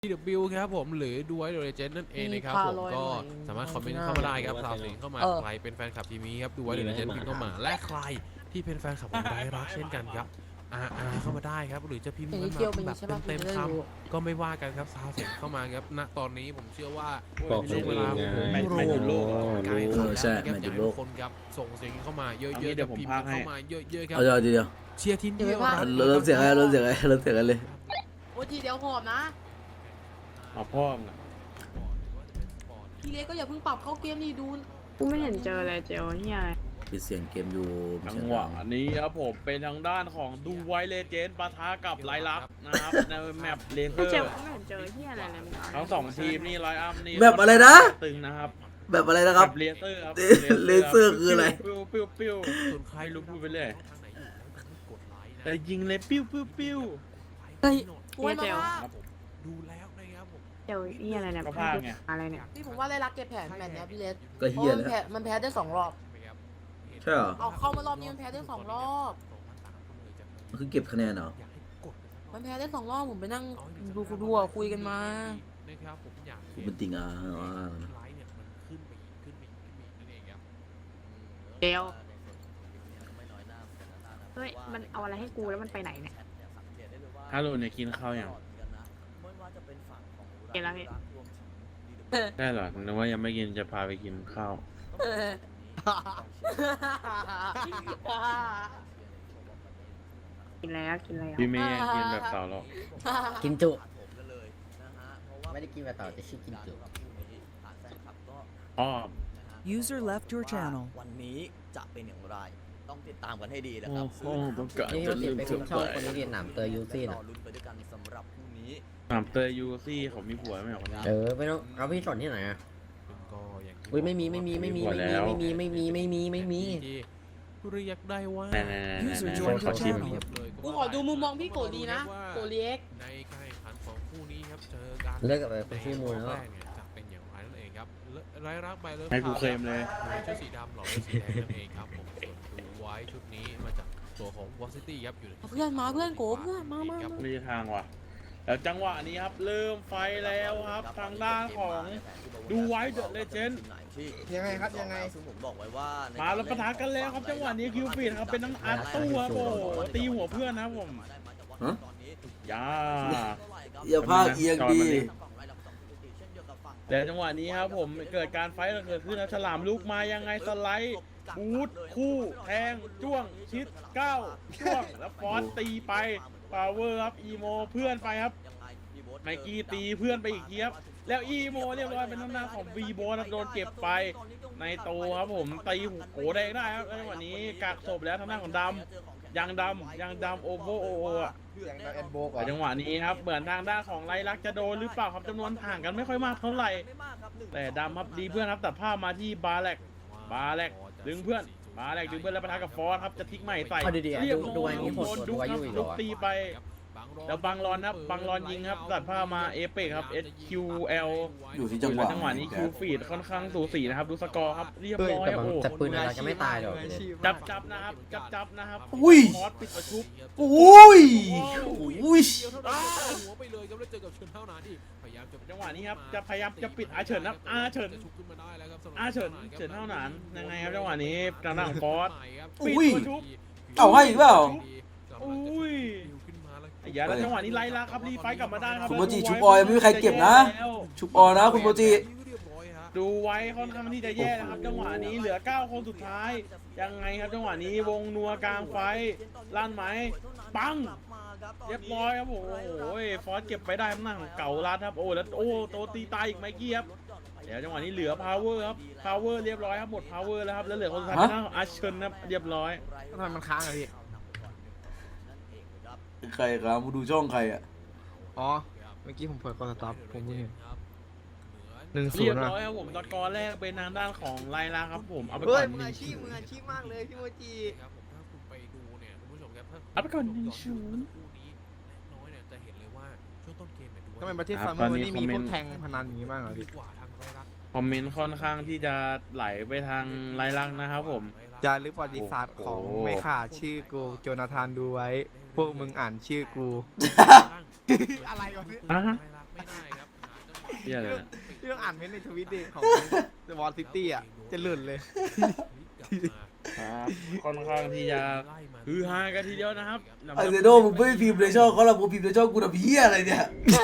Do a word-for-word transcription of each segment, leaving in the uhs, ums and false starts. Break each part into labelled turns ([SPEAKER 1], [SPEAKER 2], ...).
[SPEAKER 1] ที ดับเบิลยู ครับผมหรือดูไว้โดยเจนนั่นเองนะครับผมก็สามารถคอมเมนต์เข้ามาได้ครับสาวสิงเข้ามาใครเป็นแฟนคลับทีมนี้ครับดูไว้โดยเจนพิมพ์เข้ามาและใครที่เป็นแฟนคลับของไดรักเช่นกันครับอาอาเข้ามาได้ครับหรือจะพิมพ์เข้ามาแบบเต็มๆคำก็ไม่ว่ากันครับสาวสิงเข้ามาครับณตอนนี้ผมเชื่อว่าเป็นช่วงเวลาแมตช์โลกการแข่งขันนะครับอยากให้ทุกคนครับส่งเสียงเข้ามาเยอะๆเดี๋ยวพิมพ์เข้ามาเยอะๆครับ
[SPEAKER 2] เอาเดียว
[SPEAKER 1] เชียร์ทีมเดียว
[SPEAKER 2] เริ่มเสียงอะไรเริ่มเสียงอะไรเริ่มเสียงอะไรเลย
[SPEAKER 3] โอ้ทีเดียวหอมนะ
[SPEAKER 4] เอาพ่อมนะ
[SPEAKER 3] พี่เล็กก็อย่าเพิ่งปรับเข้าเกมนี่ดู
[SPEAKER 5] กูไม่เห็นเจออะไรเจอเฮียอะไร
[SPEAKER 2] ปิดเสียงเกมอยู่
[SPEAKER 4] จังหวะนี้ครับผมเป็นทางด้านของดูไวเลเจนปะทะกับไลลักนะครับในแมปเลเซอร์
[SPEAKER 5] เจอไม่เห็นเจอเฮียอะไรเลย
[SPEAKER 4] ทั้งสองทีมนี่ไลอัพนี่
[SPEAKER 2] แบบอะไรนะ
[SPEAKER 4] ตึงนะครับ
[SPEAKER 2] แบบอะไรนะครับ
[SPEAKER 4] เลเซอร์ครับ
[SPEAKER 2] เลเซอร์คืออะไร
[SPEAKER 4] ปิ้วปิ้วปิ้วส่วนใครรู้พูดไปเลยแต่ยิงเลยปิ้วปิ้วปิ้ว
[SPEAKER 3] เฮ้ย
[SPEAKER 5] เฮียเจล
[SPEAKER 1] ดูแล้วนะครับผม
[SPEAKER 5] เจลเฮียอะไรเนี่ยอะไรเนี่ย
[SPEAKER 3] พี่ผมว่าไล่รักเก็บแผนแมตช์เนี้ยพี่เล็ก
[SPEAKER 2] ก็เฮียแล้ว
[SPEAKER 3] มันแพ้ได้สองรอบ
[SPEAKER 2] ใช่เหรอ
[SPEAKER 3] เอาเข้ามารอบนี้มันแพ้ได้สองรอบ
[SPEAKER 2] มันคือเก็บคะแนนเหรอ
[SPEAKER 3] มันแพ้ได้สองรอบผมไปนั่งดูดูคุยกันมา
[SPEAKER 2] กูเป็นติงอ่ะ
[SPEAKER 5] เจลเฮ้ยมันเอาอะไรให้กูแล้วมันไปไหนเนี่ย
[SPEAKER 4] ฮัลโหลเนี่ยกินข้าวยัง
[SPEAKER 5] กินแล้วพี่
[SPEAKER 4] ได้เหรอนึกว่ายังไม่กินจะพาไปกินข้าว
[SPEAKER 5] กินแล้วกินแล้ว
[SPEAKER 4] พี่เมย์กินแบบเต่าหรอก
[SPEAKER 2] กินจุ
[SPEAKER 6] ไม่ได้กินแบบเต่าจะชื่อกินจุ
[SPEAKER 4] อ๋อ
[SPEAKER 7] User left your channel
[SPEAKER 6] วันนี้จะเป็นอย่างไรต้องติดตามกันให้ดีนะครับ
[SPEAKER 4] โอ้ต้องเกิด
[SPEAKER 6] นี่เราติดไปคุณชอบคนนี้เรียนหนามเตยยูซี่นะลุ้นไปด้วยกันสำหรับพรุ่งนี้
[SPEAKER 4] หนามเตยยูซี่เขามีผัวไหมคนนี้
[SPEAKER 6] เออไม่ต้องเอาพี่สอนที่ไหนอ่ะอุ้ยไม่มีไม่มีไม่มีไม่มีไม่มีไม่มีไม่มีไม่มี
[SPEAKER 1] เรียกได้ว่า
[SPEAKER 4] เขาชิม
[SPEAKER 3] กูขอดูมุมมองพี่โกดีนะโกเล็ก
[SPEAKER 1] ในการแข่งขันของคู่นี้ครับเจอกัน
[SPEAKER 6] เลิกกับไปชื่อมูลแล้ว
[SPEAKER 1] จะเป็นอย่างไรนั่นเองครับไร้รักไปเลย
[SPEAKER 4] ให้กูเคลมเลย
[SPEAKER 1] ชุดสีดำหล่อด้วยสีแดงนั่นเองครับผมส่วนดูไว้ชุดนี้มาจากตัวของวอซิตี้ครับอยู่
[SPEAKER 3] เพื่อนมาเพื่อนโกเพื่อนมามา
[SPEAKER 4] ไม่ใช่ทางว่ะแล้วจังหวะนี้ครับเริ่มไฟแล้วครับทางด้านของดูไว้เดอะเลเจนด์
[SPEAKER 6] ยังไงครับยังไงซึ่งผมบอกไว้ว่า
[SPEAKER 4] มาแล้วปะทะกันแล้วครับจังหวะนี้คิวฟีดครับเป็นทั้งอัดตัวโอ้ตีหัวเพื่อนนะผมยา
[SPEAKER 2] อย่าพลาดเอียงดี
[SPEAKER 4] แต่จังหวะนี้ครับผมเกิดการไฟท์เกิดขึ้นนะฉลามลูกมายังไงสไลด์บูทคู่แทงจ้วงชิดก้าวจ้วงแล้วฟอนตีไปพาวเวอร์ครับอีโมเพื่อนไปครับไมกี้ตีเพื่อนไปอีกทีครับแล้วอีโมเรียบร้อยเป็นหน้าของวีโบนะโดนเก็บไปในโตครับผมตีหูโขแดงได้ครับจังหวะนี้กักศพแล้วทางด้านของดำยังดำยังดำโอโบโอโออะแต่จังหวะนี้ครับเหมือนทางด้านของไลลักจะโดนหรือเปล่าครับจำนวนห่างกันไม่ค่อยมากเท่าไหร่แต่ดำครับดีเพื่อนครับตัดภาพมาที่บาแลกบาแลกดึงเพื่อนบาแลกดึงเพื่อนแล้วปะทะกับฟอสครับจะทิ้งใหม่ใส่เรียบร้อยโดนดุครับลุกตีไปแล้วบังรอนครับบังรอนยิงครับตัดภาพมาเอเปกครับ เอส คิว แอล
[SPEAKER 2] อยู่ที่จังหวะ
[SPEAKER 4] จังหวะนี้คิวฟีดค่อนข้างสูสีนะครับดูสกอร์ครับเรียบร้อยโอ้
[SPEAKER 6] แต่ปืนอะไรจะไม่ตายหรอก
[SPEAKER 4] จับจับนะครับจับจับนะครับ
[SPEAKER 2] อุ้ย
[SPEAKER 4] มอสปิดประชุบ
[SPEAKER 2] อุ้ยอุ้ย
[SPEAKER 1] หัวไปเลยครับแล้วเจอกับเฉินเท่านั้นที่พยายามจะ
[SPEAKER 4] จังหวะนี้ครับจะพยายามจะปิดอาเฉินครับอาเฉินอาเฉินเฉินเท่านั้นยังไงครับจังหวะนี้กระหน่ำฟอสปิดประชุบ
[SPEAKER 2] เอาให้อีกเปล่า
[SPEAKER 4] อุ้ยอย่าแล้วจังหวะนี้ไล่ละครับรีไฟกลับมาได้ครับ
[SPEAKER 2] คุณโมจิชุบออยไม่มีใครเก็บนะชุบออยนะคุณโมจิ
[SPEAKER 4] ดูไว้ค่อนข้างที่จะแย่นะครับจังหวะนี้เหลือเก้าคนสุดท้ายยังไงครับจังหวะนี้วงนัวกลางไฟลั่นไหมปังเรียบร้อยครับโอ้โหฟอสเก็บไปได้ข้างหน้าของเก่าลัดครับโอ้แล้วโอ้โตตีตายอีกไมค์กี้ครับเดี๋ยวจังหวะนี้เหลือพาวเวอร์ครับพาวเวอร์เรียบร้อยครับหมดพาวเวอร์แล้วครับแล้วเหลือคนสุดท้ายนะอาเชนครับเรียบร้อย
[SPEAKER 6] ทำไมมันค้างอะพี่
[SPEAKER 2] ใครครับมาดูช่องใครอ่ะ
[SPEAKER 6] อ๋อเมื่อกี้ผมเปิดกอสต็อปผมไม่เห็นหนึ่งศู
[SPEAKER 4] นย์
[SPEAKER 6] เรียบ
[SPEAKER 4] ร้อยครับผมตะกอแรกเป็นทางด้านของไลลาครับผมเอาไป
[SPEAKER 6] ก่
[SPEAKER 4] อน
[SPEAKER 6] มืออาชีพมืออาชีพมากเลยพี่โมจิ
[SPEAKER 1] ครับผมถ้าคุณไปดูเนี่ยคุณผู้ชมครับ
[SPEAKER 4] เอาไปก่อนหนึ่งศูนย์
[SPEAKER 1] คู่นี้น้อยเนี่ยจะเห็นเลยว่าช่วงต้นเกมเนี่ยดู
[SPEAKER 6] ทำไมประเทศฟาร์มวันนี้มีพวกแทงพนันอย่างนี้บ้างเหรอพี่
[SPEAKER 4] คอมเมนต์ค่อนข้างที่จะไหลไปทางไลลักนะครับผม
[SPEAKER 6] จารึกประวัติศาสตร์ของไม่ขาดชื่อกูโจนาธานดูไว้พวกมึงอ่านชื่อกูอะไรวะ
[SPEAKER 4] อ่ะเหี้ยเลยนะ
[SPEAKER 8] พี่ต้องอ่านเม้นต์ในทวิตดิของเดอะวอลซิตี้อ่ะจะหลุดเลย
[SPEAKER 4] ครับค่อนข้างที่จะฮือฮากันทีเดียวนะครับ
[SPEAKER 2] ไอเซโดมึงไม่พิมพ์ในช่องเขาหรอกมึงพิมพ์ในช่องกูทำเหี้ยอะไรเนี่ย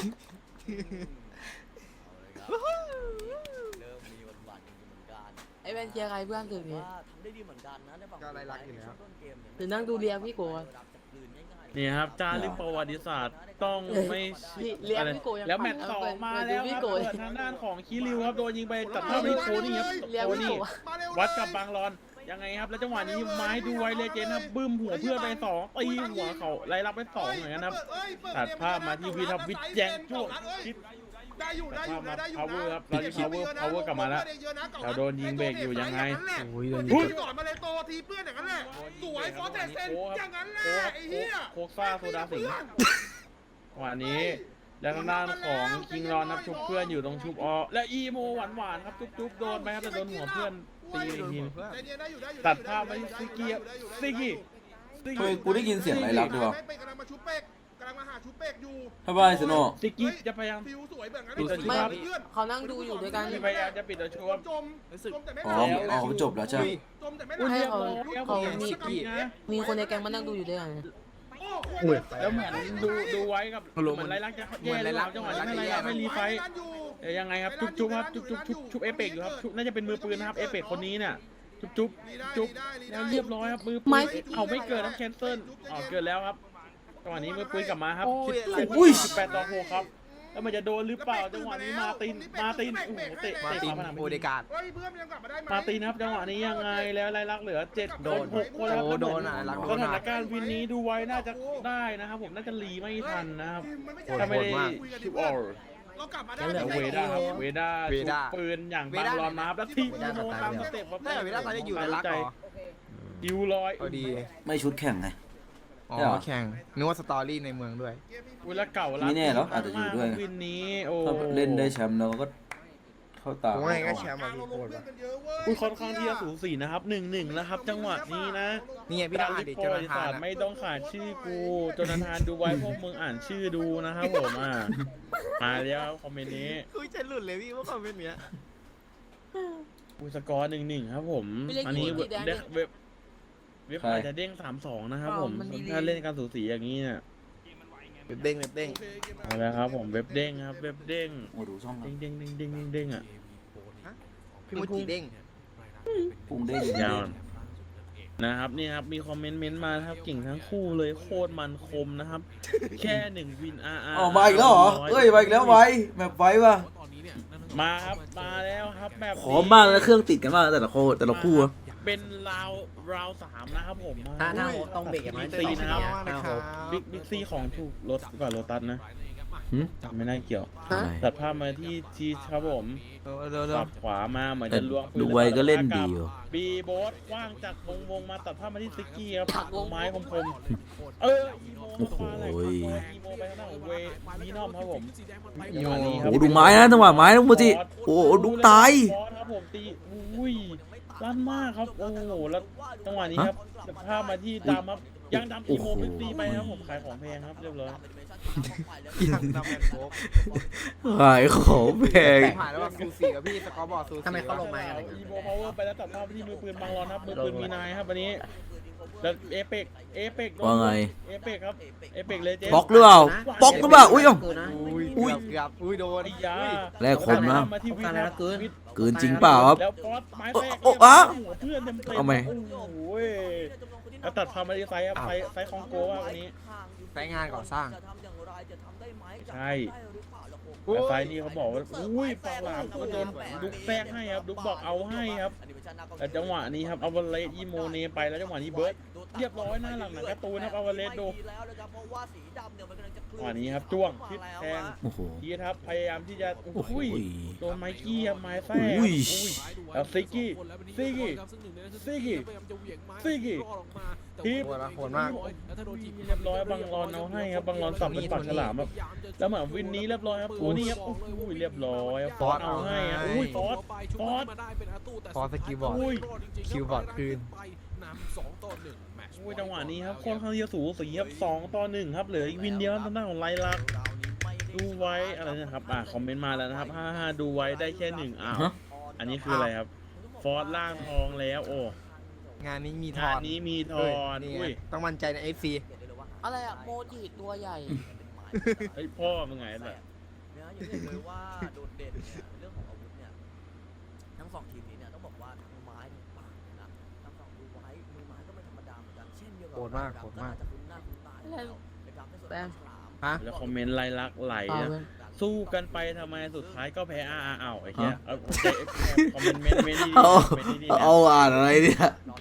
[SPEAKER 3] ไอ้แวนเชียร์ใครเพื่อนถึงนี้
[SPEAKER 8] ก็ไรลักอยู่แล้ว
[SPEAKER 3] หรือนั่งดูเรียพี่โกะ
[SPEAKER 4] นี่ครับจารึกประวัติศาสตร์ต้องไม่
[SPEAKER 3] พี่เรียก
[SPEAKER 4] อะไร
[SPEAKER 3] พี่โกะยัง
[SPEAKER 4] แล้วแมตช์
[SPEAKER 3] เอ
[SPEAKER 4] สอง
[SPEAKER 3] เปิด
[SPEAKER 4] มา
[SPEAKER 3] เปิด
[SPEAKER 4] แล้ว
[SPEAKER 3] ดู
[SPEAKER 4] ค
[SPEAKER 3] พี่
[SPEAKER 4] รับ
[SPEAKER 3] โกะ
[SPEAKER 4] เปิดทางด้านของคิริวครับโดนยิงไปตัดภาพที่โคนี่ครับ
[SPEAKER 3] เรียก
[SPEAKER 4] โค
[SPEAKER 3] พี่
[SPEAKER 4] นี่
[SPEAKER 3] โกะ
[SPEAKER 4] วัดกับบางรอนยังไงครับแล้วจังหวะนี้ไม้ดูไวเลเจนครับบึ้มหัวเพื่อนไปสองตีหัวเขาไล่รับไปสองเหมือนกันครับตัดภาพมาที่วีทับวิทย์แจงช่วงชิด
[SPEAKER 9] ได้อยู่ได้อยู่นะได้อยู่นะ
[SPEAKER 4] power ครับเราจะ power power กลับมาแล้วเราโดนยิงเบรกอยู่ยังไง
[SPEAKER 8] โอ้ยโดน
[SPEAKER 9] พู
[SPEAKER 8] ยิ
[SPEAKER 9] ด
[SPEAKER 8] ง
[SPEAKER 9] ก่อนมาเลยโตทีเพื่อนอย่างนั้นแหละสวยฟอสเตเซนอย่างนั้นแหละ
[SPEAKER 4] โค้ก
[SPEAKER 9] ไอ้เหี้ย
[SPEAKER 4] โคกซ่าโซดาสิงห์วันนี้แล้วทางด้านของคิงรอนนับชุบเพื่อนอยู่ตรงชุบออและอีโมหวานหวานๆครับจุ๊บๆโดนไปครับแต่โดนหัวเพื่อนตีอีกที
[SPEAKER 9] ใจเย็นได้อยู่ได้อยู่
[SPEAKER 4] ตัดภาพไปซิกกี้ซิกกี้
[SPEAKER 2] เฮ้ยกูได้ยินเสียงไรลักด้วยวะ
[SPEAKER 9] เป็กกำลังมาชุบเป็กกำลังมาหาชุบเป็กอยู่
[SPEAKER 2] ทำไมเซโน
[SPEAKER 4] ซิกกี้จะพยายาม
[SPEAKER 9] ฟิวสวยแบบนั้น
[SPEAKER 3] ไม่
[SPEAKER 9] เพื่อน
[SPEAKER 3] เขานั่งดูอยู่ด้วยกัน
[SPEAKER 4] พยายามจะปิดตัวชวม
[SPEAKER 9] จมจมแต่ไม่
[SPEAKER 2] อ๋ออ๋อเขาจบแล้วใช่ไหม
[SPEAKER 9] จมแต่ไม่
[SPEAKER 3] ให้เขา
[SPEAKER 4] แล้ว
[SPEAKER 3] เขา
[SPEAKER 4] ผม
[SPEAKER 3] มี
[SPEAKER 4] ซิกกี้นะ
[SPEAKER 3] มีคนในแก๊งมานั่งดูอยู่ด้วยกัน
[SPEAKER 8] อุ้ย
[SPEAKER 4] แล้วเหมือนดูดูไว้กับเหมือนไรลักจะแย่หรือเปล่าจังหวะนี้ไม่ไรลักไม่รีไฟเดี๋ยวยังไงครับจุ๊บจุ๊บครับจุ๊บจุ๊บชุบชุบเอเปกอยู่ครับชุบน่าจะเป็นมือปืนนะครับเอเปกคนนี้เนี่ยจุ๊บจุ๊บจุ๊บแล้วเรียบร้อยครับมือปืนเอาไม่เกิดครับแคนเซิลอ๋อเกิดแล้วครับจังหวะนี้มือปืนกลับมาครับสิบแปดต่อหกครับแล้วมันจะโดนหรือเปล่าจังหวะนี้มาตินมาตินโอ้โหเตะ
[SPEAKER 8] มา
[SPEAKER 4] เตะ
[SPEAKER 8] ติน
[SPEAKER 4] ฝาผนัง
[SPEAKER 8] โอเดการ์ด
[SPEAKER 9] เฮ้ยเพื่อนยังกลับมาได้ไหม
[SPEAKER 4] มาตินครับจังหวะนี้ยังไงแล้วไรลักเหลือเจ็ด
[SPEAKER 8] โดน
[SPEAKER 4] หกคนแล้ว
[SPEAKER 8] โอ้โดนอ่ะรักโด
[SPEAKER 4] ส
[SPEAKER 8] น
[SPEAKER 4] ถา
[SPEAKER 8] อ่ะ
[SPEAKER 4] นการณ์วินนี้ดูไว้น่าจะได้นะครับผมน่าจะรีไม่ทันนะครับ
[SPEAKER 8] โหด
[SPEAKER 4] ถ้าไม่ได้
[SPEAKER 8] โหดมาก
[SPEAKER 4] ชิปออล
[SPEAKER 9] เรากลับมาได้
[SPEAKER 4] แล้วเวด้าครับเวด้า
[SPEAKER 8] เวด้า
[SPEAKER 4] ชุบปืนอย่างบางรอนมาครับแล้วทิ้งโมตามสเต็ปครับ
[SPEAKER 8] ได้เวลาตอนนี้อยู่ในรักเหรอ
[SPEAKER 4] ดิวลอย
[SPEAKER 8] เอาดี
[SPEAKER 2] ไม่ชุดแข่งไง
[SPEAKER 8] อ๋
[SPEAKER 2] ใช่เหร
[SPEAKER 8] อ
[SPEAKER 2] อ
[SPEAKER 8] แข่งนึกว่าสตอรี่ในเมืองด้วย
[SPEAKER 4] เวลาเก่า
[SPEAKER 2] ไม่แน่หรอกอาจจะอยู่ด้วย
[SPEAKER 4] วินนี้โอ้
[SPEAKER 2] ถ้าเล่นได้แชมป์แล้วก็เข้าตา
[SPEAKER 8] ผมว่าไงก็แชมป์อ่ะพี่โคตรว่ะ
[SPEAKER 4] อุ้ยค่อนข้างที่จะสูสีนะครับหนึ่งหนึ่งนะครับ จังหวะนี้นะ
[SPEAKER 8] นี่ไงพี่ต้องอ่านดิ
[SPEAKER 4] โป
[SPEAKER 8] เจ
[SPEAKER 4] ร
[SPEAKER 8] อ
[SPEAKER 4] ดิ
[SPEAKER 8] ทา
[SPEAKER 4] สาน
[SPEAKER 8] อ่ะ
[SPEAKER 4] ไม่ต้องขาดชื่อกูจนทานดูไว้พวกมึงอ่านชื่อดูนะครับผมอ่ะมาแล้วคอมเมนต์นี้
[SPEAKER 8] คุยจะหลุดเลยพี่ว่าคอมเมนต์เนี้ย
[SPEAKER 4] อุ้ยสกอร์หนึ่งหนึ่งครับผม
[SPEAKER 3] ไม่เล่น
[SPEAKER 4] อันนี้
[SPEAKER 3] กี่
[SPEAKER 4] เว็บ
[SPEAKER 3] กี่แดง
[SPEAKER 4] เว็บเว็บเว็บ
[SPEAKER 2] ใคร
[SPEAKER 4] อาจจะเด้งสามสองนะครับผม
[SPEAKER 3] มันดีๆ
[SPEAKER 4] ถ้าเล่นการสูสีอย่างนี้เนี่ย
[SPEAKER 8] เว็บเด้งเว็บเด้ง
[SPEAKER 4] เอาละครับผมเว็บเด้งครับเว็บเด้ง
[SPEAKER 2] โอ้ดูช่องกั
[SPEAKER 4] เด้
[SPEAKER 2] น
[SPEAKER 4] งเด้งเด้งเด้งเด้งเด้งอ่ะ
[SPEAKER 8] พี่มุจิเด้ง
[SPEAKER 2] ปุ้งเด้ง
[SPEAKER 4] ยาวนะครับนี่ครับมีคอมเมนต์เม้นต์มานะครับเก่งทั้งคู่เลยโคตรมันคมนะครับ แค่หนึ่งวินอาร์อาร์
[SPEAKER 2] อ๋อมาอีกแล้วเหรอเอ้ยมาอีกแล้วไว้แบบไว้ว่ะ
[SPEAKER 4] มาครับมาแล้วครับแบบ
[SPEAKER 2] ขอมากนะเครื่องติดกันมากแต่ละโคแต่ละคู่อะ
[SPEAKER 4] เป็นราวราวสามนะครับผม
[SPEAKER 6] ถ้าถ้าโฮต้องเบรกกันไหม
[SPEAKER 4] ซีนะครับ
[SPEAKER 6] ถ้าโฮ
[SPEAKER 4] บิ๊กบิ๊กซีของถูกรถก่อนโรตัสนะ
[SPEAKER 2] หืม
[SPEAKER 4] ไม่น่าเกี่ยว
[SPEAKER 3] ฮะ
[SPEAKER 4] ตัดภาพมาที่ชีครับผม
[SPEAKER 8] เร็วเร็วเร็
[SPEAKER 4] สั
[SPEAKER 8] ว
[SPEAKER 4] บขวามาเหมือน
[SPEAKER 2] แต่
[SPEAKER 4] จะล้วงปืน
[SPEAKER 2] ดูไว้ก็เล่นดีอยู่
[SPEAKER 4] บีโบสว่างจากวงวงมาตัดภาพมาที่ซิกกี้ครับไม้คมคมๆเอออีโม
[SPEAKER 2] โอ้โห
[SPEAKER 4] มาอะไรครับอีโมไปข้างหน้าของเววีนอมครับผม
[SPEAKER 8] โย
[SPEAKER 2] โอ้ดูไม้นะจังหวะไม้นะโมจิโอ้โหดูตาย
[SPEAKER 4] บอสครับผมตีอุ้ยลั่นมากครับโอ้โหแล้วจังหวะนี้ครับตัดภาพมาที่ดำครับยังดำอีโมเป็นตีไปครับผมขายของแพงครับเรียบร้อย
[SPEAKER 8] ยังดำแมนโฟก
[SPEAKER 2] ขายของแพง
[SPEAKER 8] ผ่านแล้วว่าซูซี่กับพี่สกอร์บอร์ดซูซี่
[SPEAKER 6] ทำไมเขาลงมาอะไร
[SPEAKER 4] อี
[SPEAKER 6] เงี้ย
[SPEAKER 4] โมพาวเวอร์ไปแล้วตัดภาพไปที่มือปืนบางรอนครับมือปืนมีนายครับวันนี้แล้วเอเปกเอเปก
[SPEAKER 2] ว่าไง
[SPEAKER 4] เอเปกครับเอเปกเลเจน
[SPEAKER 2] บล็อกหรือเปล่าบล็อกหรือเปล่าอุ้ยเอ้า
[SPEAKER 8] อุ้ย
[SPEAKER 2] อุ้ย
[SPEAKER 8] เกือบอุ้ยโดน
[SPEAKER 4] ไอ้ยา
[SPEAKER 2] แลกคมนะ
[SPEAKER 4] มาที่วิทย์ครับวิทย์
[SPEAKER 2] เกินจริงเปล่าครับ
[SPEAKER 4] แล้วฟอสไม้แตก
[SPEAKER 2] โอ้โอ้อะ
[SPEAKER 4] หัวเพื่อนเต็มเต็ม
[SPEAKER 2] เอาไหม
[SPEAKER 4] โอ้โหแล้วตัดภาพมาที่ไซส์ครับไซส์ไซส์ของโกว่าวันนี้
[SPEAKER 8] ใช้งานก่อสร้าง
[SPEAKER 4] ใช่แต่ไซส์นี่เขาบอกว่าอุ้ยปากหลามก็โดนดุกแทรกให้ครับดุกบอกเอาให้ครับแต่จังหวะนี้ครับเอาวเลสอีโมเนไปแล้วจังหวะนี้เบิร์ดเรียบร้อยหน้าหลังหนังการ์ตูนครับเอาวเลสดูจังหวะนี้ครับจ้วงพิษแทง
[SPEAKER 2] โอ้โห
[SPEAKER 4] ทีครับพยายามที่จะ
[SPEAKER 2] โอ้โห
[SPEAKER 4] อุ้ยโดนไมกี้ครับไม้แทรก
[SPEAKER 2] อุ้ย
[SPEAKER 4] อุ้ยแล้วซิกกี้ซิกกี้ซิกกี้ซิกกี้ทีบ
[SPEAKER 8] โหดมากโหดมาก
[SPEAKER 4] เรียบร้อยบางรอนเอาให้ครับบางรอนสับเป็นปากฉลามครับแล้วเหมือนวินนี้เรียบร้อยครับโอ้นี่ครับอุ้ยเรียบร้อยครับฟอสเอาให้ครับอุ้ยฟอสฟอส
[SPEAKER 8] ฟอสสกิลบอร์ด
[SPEAKER 4] อุ้ย
[SPEAKER 8] คิวบอร์ดคืน
[SPEAKER 4] อุ้ยจังหวะนี้ครับค่อนข้างที่จะสูสีครับสองต่อหนึ่งครับเหลืออีกวินเดียวทางด้านของไลลักดูไว้อะไรนะครับอ่าคอมเมนต์มาแล้วนะครับฮ่าฮ่าดูไว้ได้แค่หนึ่งอ้าว
[SPEAKER 2] ฮะ
[SPEAKER 4] อันนี้คืออะไรครับฟอสล่างทองแล้วโอ้
[SPEAKER 8] งานนี้มีท
[SPEAKER 4] งา
[SPEAKER 8] อน น
[SPEAKER 4] นี้มีท
[SPEAKER 8] เฮ้
[SPEAKER 4] อย น
[SPEAKER 8] นี่
[SPEAKER 4] อุ้ย
[SPEAKER 8] ไงต้องมั่นใจใน เอฟ ซี
[SPEAKER 3] อะไรอะโมจิตัวใหญ่
[SPEAKER 4] เฮ้ยพ่อมึงไงล่ะ
[SPEAKER 10] เลยว่าโดดเด่นเนี่ยเรื่องของอาวุธเนี่ยทั้งสองทีมนี้เนี่ยต้องบอกว่าทั้งไม้ทั้งปากนะทั้งสองดูไว้มือไม้ก็ไม่ธรรมดาเหมือนกันเช่นเดียวกั
[SPEAKER 8] โหดมากโหดมาก
[SPEAKER 10] จะคุ้นหน้าคุ้นตาอยู่แล้วนะครับในส่วนของฉลาม
[SPEAKER 8] ฮะ
[SPEAKER 4] แล้วคอมเมนต์ไล่ลักไหล
[SPEAKER 3] เอา
[SPEAKER 4] นะ
[SPEAKER 3] เว้ย
[SPEAKER 4] สู้กันไปทำไมสุดท้ายก็แพ้อาอาเอาไอ้เหี้ยเอาคอมเมนต์เมนต์เมนต์นี่
[SPEAKER 2] เอา
[SPEAKER 4] เมนต์นี่นะ
[SPEAKER 2] เอาอ่านอะไรเนี่ย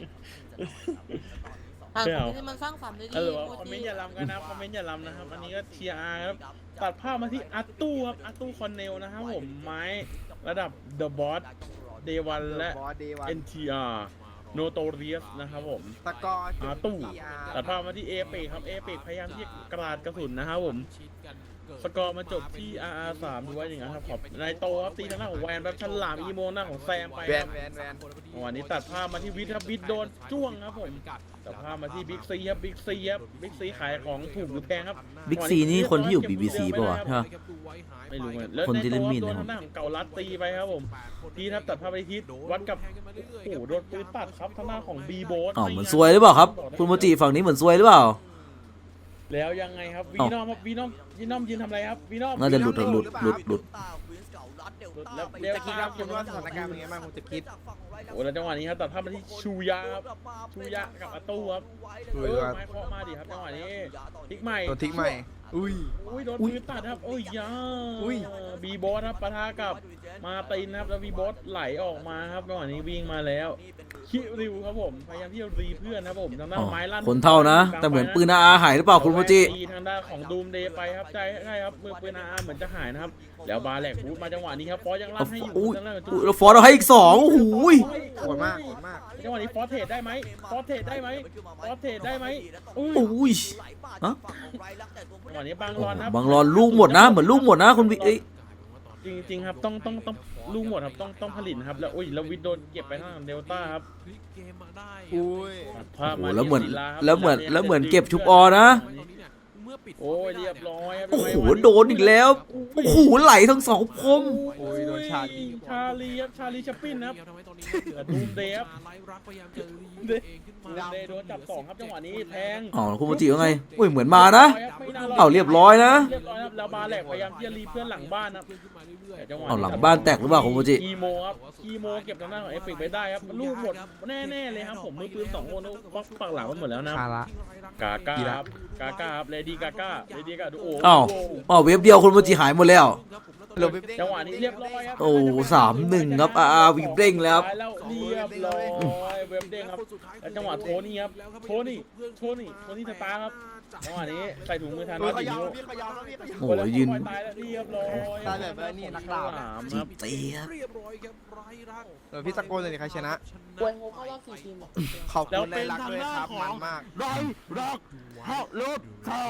[SPEAKER 3] อ่าน
[SPEAKER 4] ไม่
[SPEAKER 3] คอม
[SPEAKER 4] เอา
[SPEAKER 3] เมนต์ที่มันสร้างสรรค์ได้ดี
[SPEAKER 4] เออ
[SPEAKER 3] โม
[SPEAKER 4] คอมเม
[SPEAKER 3] จิ
[SPEAKER 4] นต์อย่าลำกันนะคอมเมนต์อย่าลำนะครับอันนี้ก็เชียร์อาครับตัดภาพมาที่อาตู้ครับอาตู้คอนเนลนะครับผมไม้ระดับ The Boss Day วันและ
[SPEAKER 8] บอสเดย์วัน
[SPEAKER 4] เอ็น ที อาร์ Notorious นะครับผม
[SPEAKER 8] ตะกอ
[SPEAKER 4] อาตู้
[SPEAKER 8] ทีอาร์
[SPEAKER 4] ตัดภาพมาที่เอเปกครับเอเปกพยายามที่จะกราดกระสุนนะครับผมสกอร์มาจบที่ อาร์ อาร์ สามด้วยอย่างนั้นครับขอบนายโตครับตีทางหน้าของแวนแบบฉลามอีโมหน้าของแซมไป
[SPEAKER 8] แว
[SPEAKER 4] คน รับ
[SPEAKER 8] แวนแวน
[SPEAKER 4] วันนี้ตัดภาพมาที่วิทย์ครับวิทย์โดนจ้วงครับผมตัดภาพมาที่บิ๊กซีครับบิ๊กซีครับบิ๊กซีขายของถูกหรือแพงครับ
[SPEAKER 2] บิ๊กซีนี่คนที่อยู่ บี บี ซี ป่ะวะใช่ปะ
[SPEAKER 4] ไม่รู้เหมือนแล้ว
[SPEAKER 2] คนที่เล่นมีด
[SPEAKER 4] โด
[SPEAKER 2] นะ
[SPEAKER 4] นทางด้านของเก่าลัดตีไปครับผมทีครับตัดภาพไปทิศวัดกับโอ้โหโดนปืนตัดครับทางด้านของบีโบส
[SPEAKER 2] อ๋อเหมือนซวยหรือเปล่าครับ คุณโมจิฝั่งนี้เหมือนซวยหรือเปล่า
[SPEAKER 4] แล้วยังไงครับวีนอมครับวีนอมวีนอมยืนทำอะไรครับวีนอม
[SPEAKER 2] น่าจะหลุดหลุดหลุดหลุด
[SPEAKER 4] แล้วเด
[SPEAKER 8] จะ
[SPEAKER 4] ล
[SPEAKER 8] คิด
[SPEAKER 4] ต้า
[SPEAKER 8] ว่าคุณว่าสถานการณ์เป็นไงบ้างคุณจะคิด
[SPEAKER 4] โอ้แล้วจังหวะนี้ครับตัดภาพมาที่ชูยาครับชูยากับอาตู้ครับ
[SPEAKER 8] ชู
[SPEAKER 4] เอย
[SPEAKER 8] า
[SPEAKER 4] อไม้เคาะมาดิครับจังหวะนี้ทิกใหม่
[SPEAKER 8] ตัวทิ้งใหม่ อุ้ย
[SPEAKER 4] อุ้ยโดนปืนตัดครับโอ้ยยา
[SPEAKER 8] อุ้ย
[SPEAKER 4] บีโบสครับปะทะกับมาตินครับแล้วบีโบสไหลออกมาครับจังหวะนี้วิ่งมาแล้วคิริวครับผมพยายามที่จะรีเพื่อนครับผมทางด้าน
[SPEAKER 2] อ๋อ
[SPEAKER 4] ไม้ลั่น
[SPEAKER 2] คนเท่านะ แต่เหมือนปืนอาหายหรือเปล่าคุณโมจิ
[SPEAKER 4] ตีทางด้านของดูมเดย์ไปครับใช่ใช่ครับมือปืนอาเหมือนจะหายนะครับแล้วบาแหลกบูทมาจังหวะนี้ครับฟอสยังลั่นให้อยู่
[SPEAKER 2] อุ้ย
[SPEAKER 4] ทางด้านของ
[SPEAKER 2] อุ้ยแล้วฟอร์ดเอาให้อีกสองโอ้โหย
[SPEAKER 8] โหดมากโหดมาก
[SPEAKER 4] จังหวะนี้ฟอสเทรดได้ไหมฟอสเทรดได้ไหมฟอสเทรดได้ไหมอุ้ย
[SPEAKER 2] โอ้ยฮะ
[SPEAKER 4] จังหวะนี้บางรอนครับ
[SPEAKER 2] บางรอนลูกหมดนะ เหมือนลูกหมดนะคุณวิเอ้ย
[SPEAKER 4] จริงๆครับต้องต้องต้องลูกหมดครับต้องต้องผลิตนะครับแล้วอุ้ยแล้ววิดโดนเก็บไปทางเดลต้าครับ
[SPEAKER 1] พลิกเกมมาได้
[SPEAKER 8] อุ้ย
[SPEAKER 4] ตัดภาพ
[SPEAKER 2] โอ้โห
[SPEAKER 4] มา
[SPEAKER 2] แล้วเหมือน
[SPEAKER 4] ที่ศิาครับ
[SPEAKER 2] แล้วเหมือน
[SPEAKER 4] ศิา
[SPEAKER 2] แล้วเหมือน
[SPEAKER 4] ย
[SPEAKER 2] เก็บชุบอนะ
[SPEAKER 1] เมื่อปิด
[SPEAKER 4] โอ้ยเรียบร้อยครับ
[SPEAKER 2] โอ้โหโดนอีกแล้ว โอ้โหไหลทั้งสองคม
[SPEAKER 8] โอ้ยโดนชาลี
[SPEAKER 4] ชาลีครับชาลีชัปปินครับ
[SPEAKER 1] ทำให้ตอนนี้
[SPEAKER 4] ดูมเดฟ
[SPEAKER 1] ไล่รักพยายามจะรีตัวเองขึ้นมา
[SPEAKER 4] ดูมเดย์โดนจับสองครับจังหวะนี้แทง
[SPEAKER 2] อ๋อคุณโมจิว่าไงอุ้ยเหมือนมานะ
[SPEAKER 4] ไม่น่รด
[SPEAKER 2] เอาเรียบร้อยนะ
[SPEAKER 4] เรียบร้อยครับแล้วบาแหลกพยายามที่จะรีเพื่อนหลังบ้านนะแต่จังหวะ
[SPEAKER 2] เอาหลังบ้านแตกหรือเปล่าคุณโมจิ
[SPEAKER 4] คีโมครับคีโมเก็บทางด้านของเอฟเฟกไปได้ครับลูกหมดแน่ๆเลยครับผมมือปืนสองคนปักปักหลังมันหมดแล้วนะ
[SPEAKER 8] คาระ
[SPEAKER 4] กาก้าครับกาก้าครับเลดี้กาก้าเลดี้กาดูโอ้
[SPEAKER 2] อ้าวอ้าวเว็บเดียวคุณโมจิหายหมดแล้ว
[SPEAKER 8] หลบไปเด้ง
[SPEAKER 4] จังหวะนี้เรียบร้อยครับ
[SPEAKER 2] โอ้สามหนึ่งครับอาร์วีเร่งแล้วครับ
[SPEAKER 4] แล้วเรียบร้อยเว็บเด้งครับแล้วจังหวะโทนี่ครับโทนี่โทนี่โทนี่สตาร์ครับจังหวะนี้ใส่ถุงมือทาน
[SPEAKER 8] เฮ้ย
[SPEAKER 4] น้อย
[SPEAKER 8] ข
[SPEAKER 4] อีก
[SPEAKER 8] ยาว
[SPEAKER 4] นิ้ว
[SPEAKER 8] พี่ขยาวแล้วพี่ขยาว
[SPEAKER 2] โอ้โหยืน
[SPEAKER 4] ตายแล้วเรียบร้อย
[SPEAKER 8] ตายแบบนี้นักดาบ
[SPEAKER 4] สาม
[SPEAKER 2] จี
[SPEAKER 4] ครับ
[SPEAKER 2] เตียบ
[SPEAKER 1] เรียบร้อยครับไร้รัก
[SPEAKER 8] เออพี่ตะโกนเลยดิใครชนะ
[SPEAKER 3] กวยโฮเข้ารอบสี่ทีมอะ
[SPEAKER 8] ขอบคุณในรักด้วยครับมันมาก
[SPEAKER 9] ไรรักฮอลูกเท่า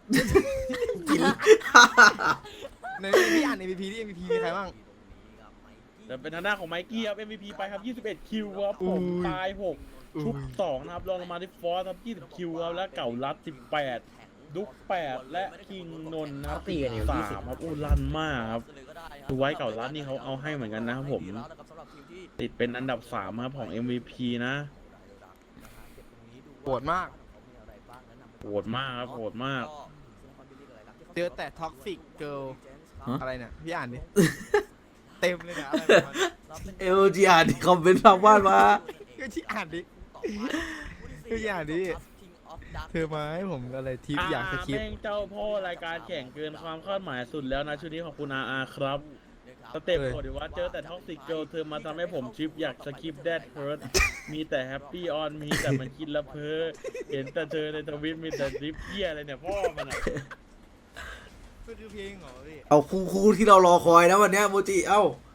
[SPEAKER 8] ในพี่อ่าน เอ็ม วี พี ที่ เอ็ม วี พี มีใครบ้าง
[SPEAKER 4] แต่เป็นทางด้านของไมกี้ครับ เอ็ม วี พี ไปครับยี่สิบเอ็ดคิวครับผม
[SPEAKER 8] อุ้ย
[SPEAKER 4] ตายหกชุบสองนะครับรองลงมาที่ฟอสครับยี่สิบคิวครับและเก่ารัดสิบแปดดุ๊กแปดและคิงนนท์นะครับ
[SPEAKER 6] ตีกันอยู่
[SPEAKER 4] สา
[SPEAKER 6] ยี่สิบ
[SPEAKER 4] มครับอู้ลั่นมากครับดูไว้เก่ารัดนี่เขาเอาให้เหมือนกันนะครับผม ติดเป็นอันดับสามครับของ เอ็ม วี พี นะ
[SPEAKER 8] โหดมาก
[SPEAKER 4] โหดมากครับโหดมาก
[SPEAKER 8] เจอแต่ท็อกซิกเกิล
[SPEAKER 2] ฮะ
[SPEAKER 8] อะไรเนี่ย พี่อ่านดิ เต็มเลยนะอะไรประมาณนี้
[SPEAKER 2] เอลจีอ่านคอมเมนต์ทางบ้านมา
[SPEAKER 8] ก็ที่อ่านดิก็ที่อ่านดิเธอมาให้ผมอะไรทิปอยากสคริป
[SPEAKER 4] แม่
[SPEAKER 8] ต์
[SPEAKER 4] งเจ้าพ่อรายการแข่งเกินความคาดหมายสุดแล้วนะชุดนี้ของคุณอาอาครับสเต็ป
[SPEAKER 8] เอ้ย
[SPEAKER 4] โหดดีว่าเจอแต่ท็อกซิกเกิลเธอมาทำให้ผมชิปอยากสคริปต์แดดเพิร์ดมีแต่แฮปปี้ออนมีแต่มันคิดละเพ้อเห็นแต่เธอในทวิตมีแต่ริปเหี้ยอะไรเนี่ยพ่อมันอะ
[SPEAKER 8] คือเพลงเหรอพี่
[SPEAKER 2] เอาคู่คู่ที่เรารอคอยนะวันเนี้ยโมจิ เอ้า